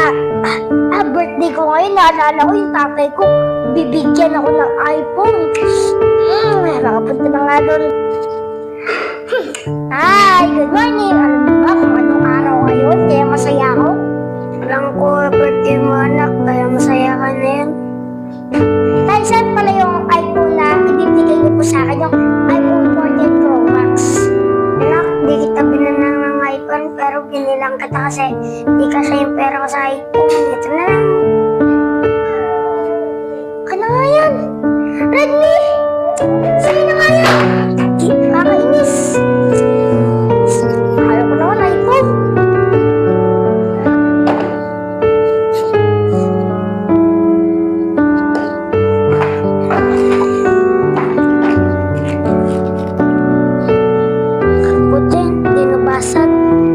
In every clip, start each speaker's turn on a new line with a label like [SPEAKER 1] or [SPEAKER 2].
[SPEAKER 1] Birthday ko ngayon, naalala ko yung tatay ko. Bibigyan ako ng iPhone. Nakapunta na nga doon. Hi, good morning. Alam niyo ba kung anong araw ngayon? Kaya masaya ako?
[SPEAKER 2] Alam ko, birthday mo anak, kaya masaya ka na yan.
[SPEAKER 1] Tay, saan pala yung iPhone na ibibigay niyo po sa akin? Yung iPhone 14 Pro Max.
[SPEAKER 2] Anak, di kita binanang ng iPhone, pero binilang kita kasi di kasi yung pera ko sa iPhone. Ito na lang.
[SPEAKER 1] Ano nga yan? Redmi! Sige na nga yan! Kakainis! Ayaw ko naman iPhone.
[SPEAKER 2] Buti, di nabasag.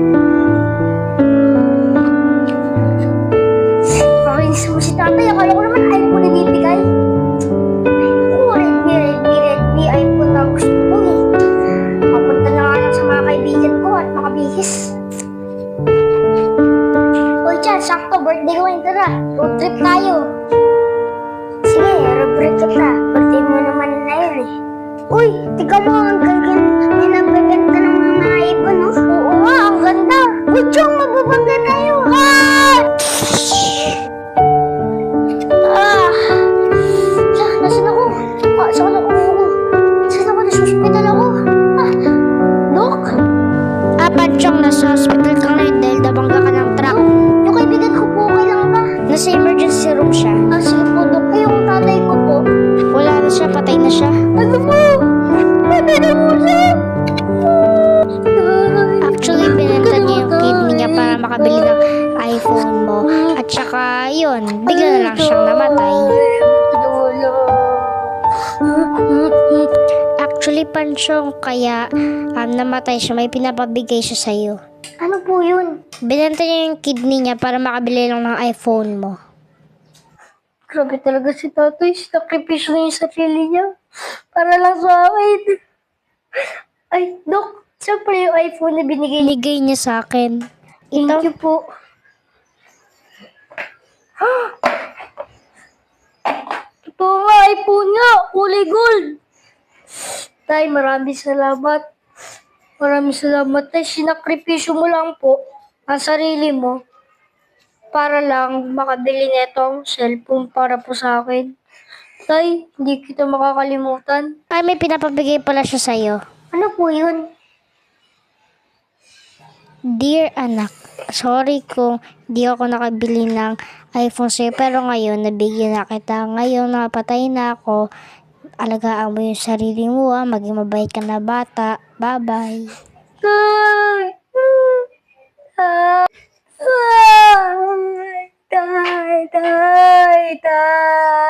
[SPEAKER 1] Kakainis mo si tatay. Akala ko naman iPhone ibibigay. Redmi, iPhone na gusto ko eh. Papunta na nga lang sa mga kaibigan ko at makabihis. Uy, Chan, sakto, birthday ko ngayon. Tara, road trip tayo.
[SPEAKER 2] Sige, rubric kita. Birthday mo naman na yun eh.
[SPEAKER 1] Uy, tignan mo ang ganda.
[SPEAKER 2] May nagbebenta ng mga iPhone, no?
[SPEAKER 1] Oo nga, ang ganda. Uy, Chong, magbabangga tayo. Nasaan ako? Saan ako? Saan ako? Nasa hospital ako. Dok?
[SPEAKER 2] Chong, nasa hospital ka ngayon dahil nabangga ka ng truck.
[SPEAKER 1] Yung kaibigan ko po, kailangan ba?
[SPEAKER 2] Nasa emergency room siya.
[SPEAKER 1] Sige po, Dok. Yung tatay ko po.
[SPEAKER 2] Wala na siya, patay na siya.
[SPEAKER 1] Ano mo? Patay na mo siya.
[SPEAKER 2] Actually, binenta niya yung kidney niya para makabili ng iPhone mo. At saka, yun, bigla na lang siyang namatay. Actually, Pansyong, kaya namatay siya, may pinapabigay siya sa'yo.
[SPEAKER 1] Ano po yun?
[SPEAKER 2] Binenta niya yung kidney niya para makabili lang ng iPhone mo.
[SPEAKER 1] Grabe talaga si tatay. Sinakripisyo niya yung sarili niya. Para lang sa akin. Ay, Dok. Siyempre yung iPhone na binigay niya.
[SPEAKER 2] Binigay niya sa akin.
[SPEAKER 1] Thank you po. Totoo nga, iPhone nga. Kulay gold. Tay, maraming salamat. Maraming salamat, Tay. Sinakripisyo mo lang po ang sarili mo para lang makabili netong cellphone para po sa akin. Tay, hindi kita makakalimutan.
[SPEAKER 2] Ay, may pinapabigay pala siya sa'yo.
[SPEAKER 1] Ano po yun?
[SPEAKER 2] Dear anak, sorry kung di ako nakabili ng iPhone sa'yo, pero ngayon nabigyan na kita. Ngayon napatay na ako. Alagaan mo yung sarili mo, maging mabait ka na bata. Bye-bye.
[SPEAKER 1] Tay! Tay! Tay! Tay!